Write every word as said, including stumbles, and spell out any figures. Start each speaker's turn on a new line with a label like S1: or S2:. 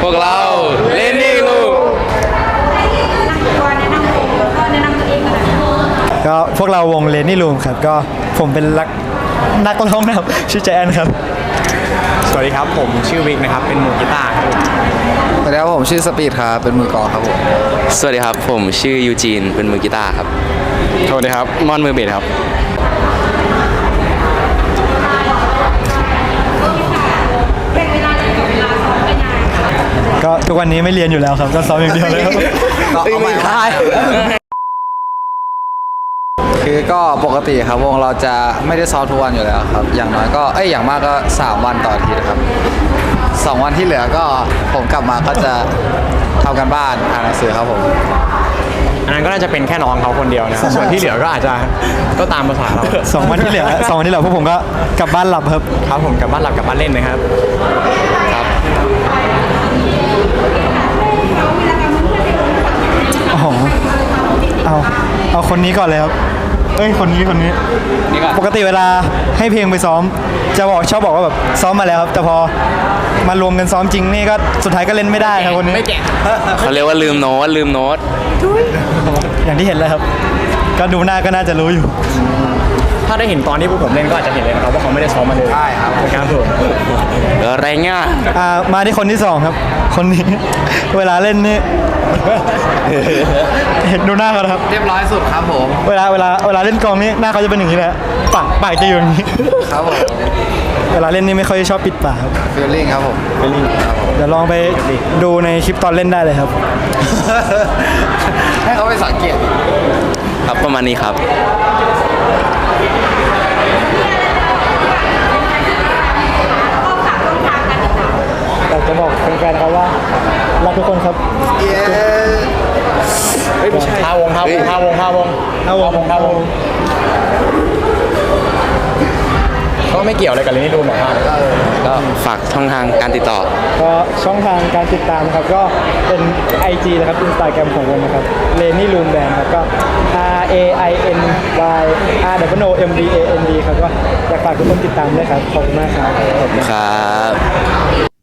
S1: พวกเราเลนนี่ลูก
S2: ก็พวกเราวงเลนนี่ลูมครับก็ผมเป็นนักนักร้องนะครับชื่อแจนครับ
S3: สวัสดีครับผมชื่อวิกนะครับเป็นมือกีตาร์ครับ
S4: สวัสดีครับผมชื่อสปีดครับเป็นมือกลองครับผม
S1: สวัสดีครับผมชื่อยูจีนเป็นมือกีตาร์ครับ
S3: สวัสดีครับมอนมือเบสครับ
S2: ก็ทุกวันนี้ไม่เรียนอยู่แล้วครับก็ซ้อมอย่างเดียวเลยครับ
S4: ก็เอาไม่ได้คือก็ปกติครับวงเราจะไม่ได้ซ้อมทุกวันอยู่แล้วครับอย่างน้อยก็เอ้ยอย่างมากก็สามวันต่ออาทิตย์ครับสองวันที่เหลือก็ผมกลับมาก็จะทำกันบ้านอ่านหนังสือครับผม
S3: อันนั้นก็น่าจะเป็นแค่น้องเขาคนเดียวนะส่วนที่เหลือก็อาจจะก็ตามภาษาเรา
S2: สองวันที่เหลือสองวันที่เหลือพวกผมก็กลับบ้านหลับครับ
S3: ครับผมกลับบ้านหลับกลับบ้านเล่นนะครับครับ
S2: โอ้โหเอาเอาคนนี้ก่อนเลยครับเอ้ยคนนี้คนนี้ปกติเวลาให้เพลงไปซ้อมจะบอกชอบบอกว่าแบบซ้อมมาแล้วครับแต่พอมารวมกันซ้อมจริงนี่ก็สุดท้ายก็เล่นไม่ได้ครับคนนี้ไม่แก่
S1: เขาเรียกว่าลืมโน้ตลืมโน้ต
S2: อย่างที่เห็นเลยครับก็ดูหน้าก็น่าจะรู้อยู่
S3: ถ้าได้เห็นตอนที่พวกผมเล่นก็อาจจะเห็นเลยนะครับว่าเขาไม่ได้ซ้อมมาเลย
S4: ใช่ครับ
S3: ครับผม
S1: อะไรเงี้ย
S2: อ่ามาที่คนที่สองครับคนนี้เวลาเล่นนี่เห็นดูหน้าเขาครับ
S4: เรียบร้อยสุดครับผม
S2: เวลาเวลาเวลาเล่นกองนี่หน้าเขาจะเป็นอย่างนี้แหละปากปากจะอยู่อย่างนี้
S4: ครับผม
S2: เวลาเล่นนี่ไม่ค่อยชอบปิดปากครับ
S4: ฟีลลิ่งครับผม
S2: ฟีลลิ่งเดี๋ยวลองไปดูในคลิปตอนเล่นได้เลยครับ
S4: ให้เขาไปสังเกต
S1: ครับประมาณนี้ครับ
S2: อยากจะบอกแฟนๆเขาว่ารักทุกคนครับ
S3: เฮ้ยไม่ใช่ท่าวงท่าวงท่าวงท่าวงท่าวงท่าวงก็ไม่เกี่ยวอะไรกับเรนนี่ดูหน่อยครับ
S1: ก็ฝากช่องทางการติดต่อ
S2: ก็ช่องทางการติดตามครับก็เป็น ไอ จี นะครับ Instagram ของวงนะครับ Lenny Room Band ครับก็ R A I N Y R W O M B A N D ครับก็อยากฝากทุกคนติดตามด้วยครับขอบคุณมากครับ
S1: ครับ